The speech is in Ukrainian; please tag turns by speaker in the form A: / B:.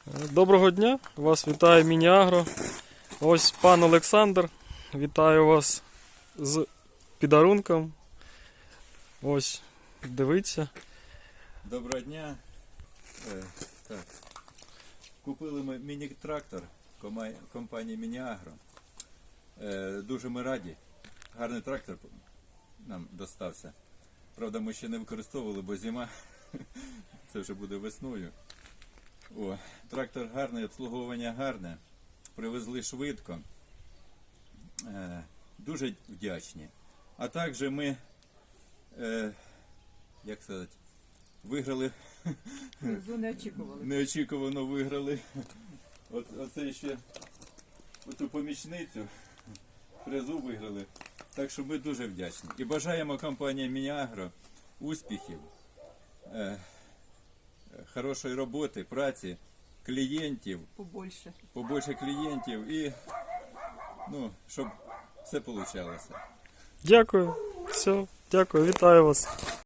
A: Доброго дня, вас вітає Міні-Агро. Ось пан Олександр, вітаю вас з підарунком. Ось, дивіться.
B: Доброго дня. Так. Купили ми міні-трактор компанії Міні-Агро. Дуже ми раді. Гарний трактор нам достався. Правда, ми ще не використовували, бо зима. Це вже буде весною. Трактор гарний, обслуговування гарне. Привезли швидко. Дуже вдячні. А також ми, як сказати, виграли. Неочікувано виграли. Оце ще оту помічницю, фрезу виграли. Так що ми дуже вдячні. І бажаємо компанії Міні-Агро успіхів, хорошої роботи, праці, клієнтів, побольше клієнтів і щоб все вийшло.
A: Дякую, все, дякую, вітаю вас.